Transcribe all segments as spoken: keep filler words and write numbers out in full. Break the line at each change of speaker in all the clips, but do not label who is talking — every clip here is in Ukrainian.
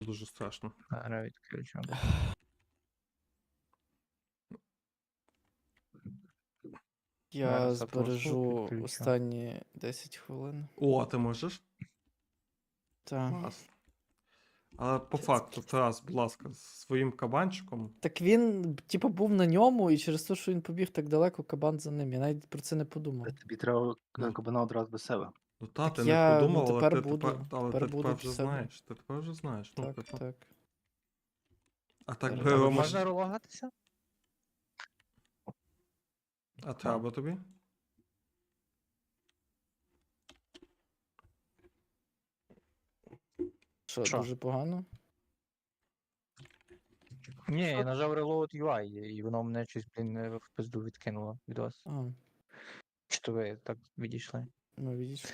Дуже страшно.
Зараз відключу.
Я
Зараз от звук
збережу
відключу.
останні десять хвилин.
О, ти можеш?
Так.
Клас. Але по
Що це
факту,
таке?
Тарас, будь ласка, з своїм кабанчиком.
Так він, типу, був на ньому, і через те, що він побіг так далеко, кабан за ним. Я навіть про це не подумав.
Та тобі треба
Ну.
кабана одразу до себе.
Ну та,
Так
ти
я,
не
ну,
подумав, але
тепер
ти
буду,
тепер, але
тепер
ти
буду
тепер
в
вже
себе.
знаєш. Ти тепер вже знаєш. Ну,
Так,
типу.
так.
А так
Зараз.
би
Але
Рома
Можна
ж-
релогатися?
А треба тобі?
Що,
Що?
дуже погано?
Ні, я нажав Reload ю ай, і воно мене щось, блін, е, в пизду відкинуло від вас.
А,
Чи то ви так відійшли?
ну видиш.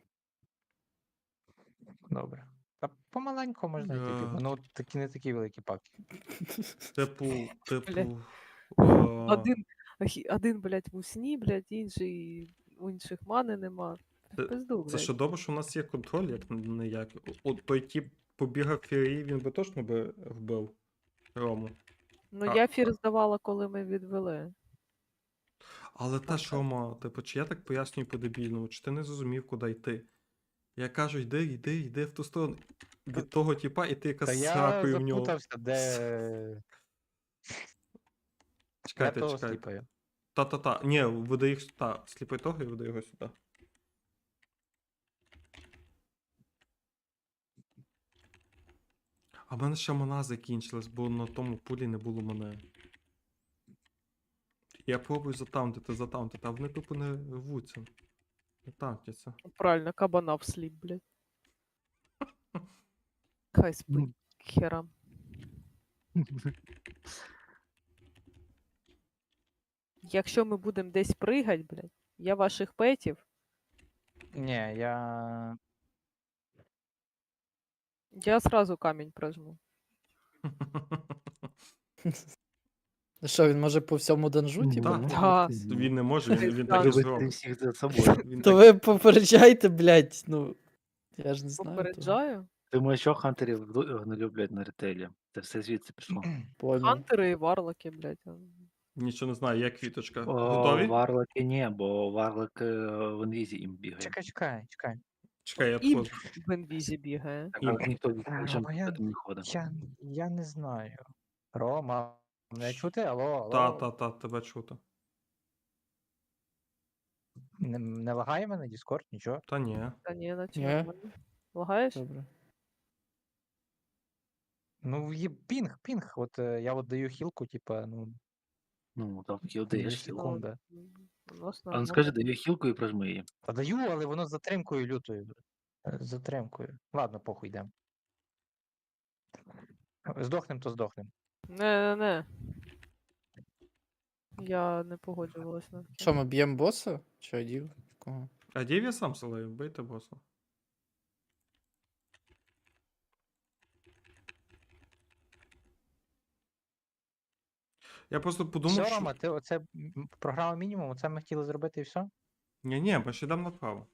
Добре. Та помаленьку можна йти,
Е,
типу, воно такі не такі великі паки.
Типу, типу.
Один,
е,
ахі- один, блядь, в усні, блядь, інший, у інших мани нема.
Це-
Пизду,
Це
блядь.
що добре, що у нас є контроль, як не як. От той тип побігав фірії, він би точно би вбив Рому.
Ну,
а-
я фір здавала, коли ми відвели.
Але теж, Рома, типу, чи я так пояснюю по-дебільному, чи ти не зрозумів, куди йти? Я кажу, йди, йди, йди в ту сторону. Від того типа, і ти
Та
якась
я
сракою в нього.
запутався, де... Я
Чекайте,
того
чекайте.
сліпаю.
Та-та-та. Ні, веди їх. Та, сліпи того і веди його сюди. А в мене ще мана закінчилась, бо на тому пулі не було мене. Я пробую затаунтити, затаунтити, а вони тупо не рвуться. Не таунтяться.
Правильно, кабана всліп, блядь. Хай спить, херам. Якщо ми будемо десь пригать, блядь, я ваших петів,
Ні, я...
я сразу камінь прожму.
Що, він може по всьому данжу,
Ну,
типу?
так.
ну?
Да.
Він не може, він, він
Так.
так і
Любити
зробить.
всіх за собою.
Він
То
так...
ви попереджайте, блядь, ну. Я ж не знаю. того.
Попереджаю.
Думаю, що хантерів ду- не люблять на ретейлі. Це все звідси пішло.
Понял.
Хантери і варлоки, блядь. а.
Нічого не знаю, як квіточка.
О,
Готові?
варлоки ні, бо варлок е, в інвізі їм бігає.
Чекай, чекай, чекай.
Чекай, я
Імп
твою.
в інвізі бігає.
Так,
Ім.
але ніхто
А,
нічим
Рома, я-
не ходить.
Я, я не знаю. Рома, мене чути? Алло, алло.
Та, та, та, тебе чути.
Не, не лагає мене Discord, нічого?
Та ні.
Та ні, наче
Ні.
нормально. Лагаєш?
Добре.
Ну, є пінг, пінг. От е, я от даю хілку, типа, ну,
Ну, там
дві
хілдаєш хілку.
секунди.
М, У нас
А ну
нормально.
скажи, даю хілку і прожми її.
Та даю, але воно з затримкою лютою. Е, З затримкою. Ладно, похуй йдем. Здохнем, то здохнем.
Не-не-не. Я не погоджувалась на таке.
Що, ми б'ємо боса? Чи адів? Кого?
А дів я сам салею, бийте боса. Я просто подумав,
Все,
що...
Рома, ти оце м, програма мінімум, оце ми хотіли зробити і все?
Ні-ні, ми ще йдемо направо.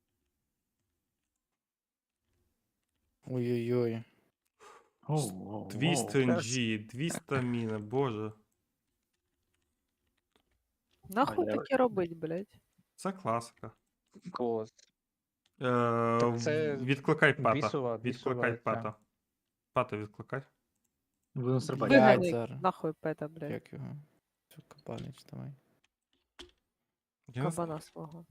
Ой-ой-ой.
Оу, оу,
Дві
оу.
стрінджі, дві стаміни, боже.
Нахуй
А я-
таке робить, блядь?
Це класика.
Клас.
Е,
це
Відкликай пата.
бісова-
Відкликай
бісова ця.
пата. Пата відкликай.
Будемо стрибати.
Блядь,
Виганяй
зараз.
нахуй пета, блядь.
Як його? Що, Кабанич, давай.
Я не знаю.
Кабана свого.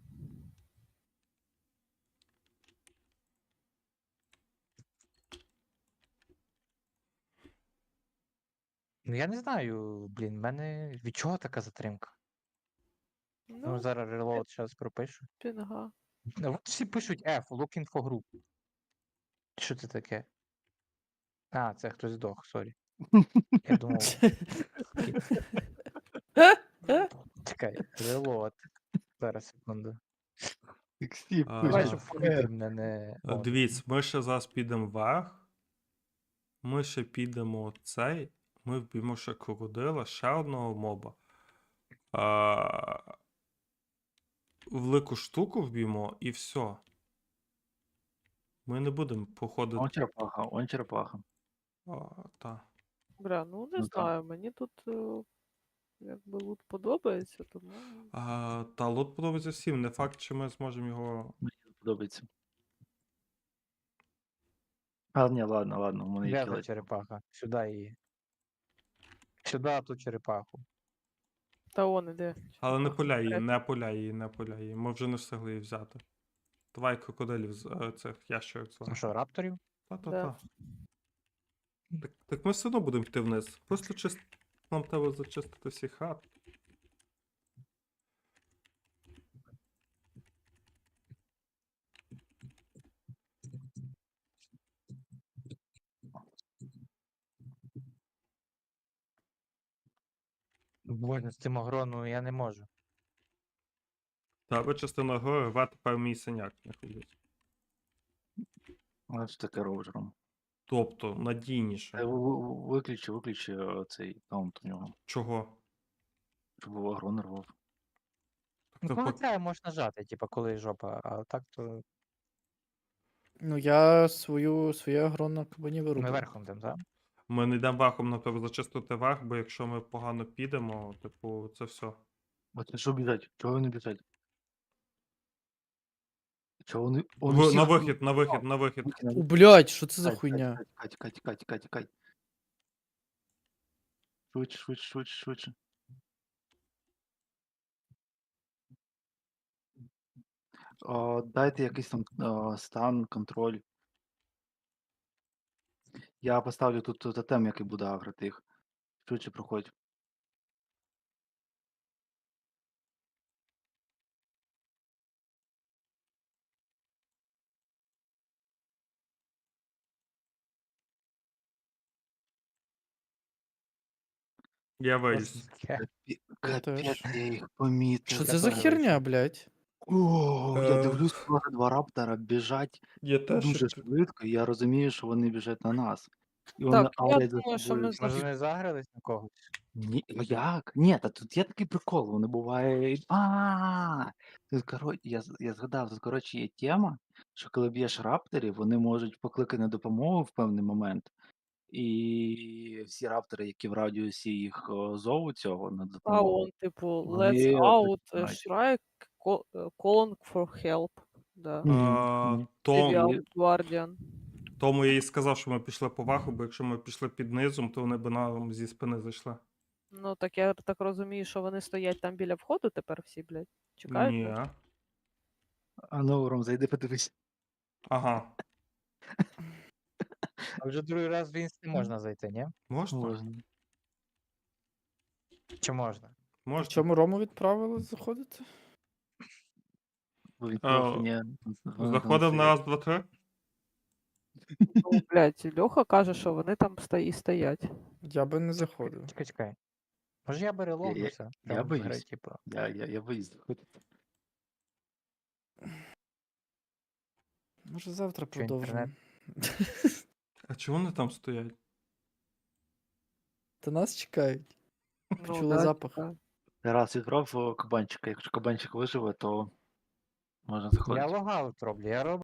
Ну я не знаю, блін, в мене від чого така затримка? Ну,
Ну,
зараз reload зараз пропишу.
пінга.
Ну, от всі пишуть F, looking for group. Що це таке? А, це хтось здох, сорі. Я думав. Чекай, reload. Зараз секунду.
Всі
А,
пишуть.
Бачу,
Е,
повітря мене не. О,
Дивіться, ми ще зараз підемо вверх. Ми ще підемо цей. Ми вб'ємо ще крокодила, ще одного моба. А, велику штуку вб'ємо і все. Ми не будемо походити.
Он черепаха, он черепаха.
А, та.
Бля, ну не
Ну, там.
знаю, мені тут е, якби лут подобається, тому.
А, та лот подобається всім. Не факт, чи ми зможемо його.
Мені не подобається. А, ні, ладно, ладно, у мене є
Де та
кілець.
черепаха? Сюди її. Сюди ту черепаху.
Та он іде.
Але не
черепаха
пуляй її,
вперед.
не пуляй її, не пуляй її. Ми вже не встигли її взяти. Давай крокодилів з е, цих ящерок
Ну
звати.
що, рапторів?
Та-та-та. Так, так ми все одно будемо йти вниз. Просто чист... нам треба зачистити всі хат.
Боже, з цим агрону я не можу.
Та частина гори, рве тепер мій синяк не ходить.
А що таке робиш, Ром?
Тобто, надійніше.
Та ви- ви- Виключи, виключи е, цей таунт у нього,
Чого?
щоб агро не рвав.
Ну,
Так,
коли
пок-
треба, можеш нажати, типа, коли жопа, а так то
Ну, я свою, своє агро на кабані
ми
вирубав.
верхом там, так?
Ми не йдемо верхом, нам треба зачистити верх, бо якщо ми погано підемо, типу, це все.
От що біжать? Чого вони біжать? Чого вони. Он
В,
усіх-
на вихід, на вихід, на вихід.
О, блядь, що це за
Тікай,
хуйня?
Тікай, тікай, тікай, тікай, тікай. Швидше, швидше, швидше, швидше. О, дайте якийсь там о, стан, контроль. Я поставлю тут тотем, який буде агрити їх. Швидше проходь.
Я
Що
виліз.
це таке?
Капі-
Я
Капець,
теж.
я їх помітив.
Що
я
це за
теж
херня, блядь?
О, я
Е.
дивлюсь, просто два раптора біжать
Я теж.
дуже швидко, і я розумію, що вони біжать на нас. І
Так,
вони
я
авлять за
думаю, що
собою
ми
всіх.
Може, вони загрались на когось?
Ні, ну як? Ні, та тут є такий прикол, вони буває. А, тут коротше, я, з- я згадав, тут коротше є тема, що коли б'єш рапторів, вони можуть покликати на допомогу в певний момент. І всі раптори, які в радіусі їх о, зову цього на
А
допомогу,
он, типу, let's
вони
out, е,
починають.
Shrike, ко- е, calling for help. Да.
Мгм,
А,
мгм.
то,
Trivial Guardian.
тому я і сказав, що ми пішли по верху, бо якщо ми пішли під низом, то вони б нам зі спини зайшли.
Ну, так я так розумію, що вони стоять там біля входу тепер всі, блядь. Чекають.
Ні.
нас?
А ну, Ром, зайди подивись.
Ага.
А вже другий раз в інст не можна зайти, ні?
Можна?
Можна.
Чи можна?
В
Можна.
чому Рому відправили заходити?
Бо він
Е,
трохи не- вони там
Заходив на
стоять.
раз, два, три.
Ну, блядь, Льоха каже, що вони там стої- стоять.
Я би не заходив.
Чекай, чекай. Може я перелогнуся?
я
Там в
боюсь.
гри, типу.
Я, я, я боюсь заходити.
Може завтра
Що,
продовжимо.
інтернет?
А чого вони там стоять?
Та нас чекають.
Ну,
Почули
да,
запах.
чекаю.
Раз відправ о, кабанчика. Якщо кабанчик виживе, то можна
Я
заходити.
логаут роблю, я роблю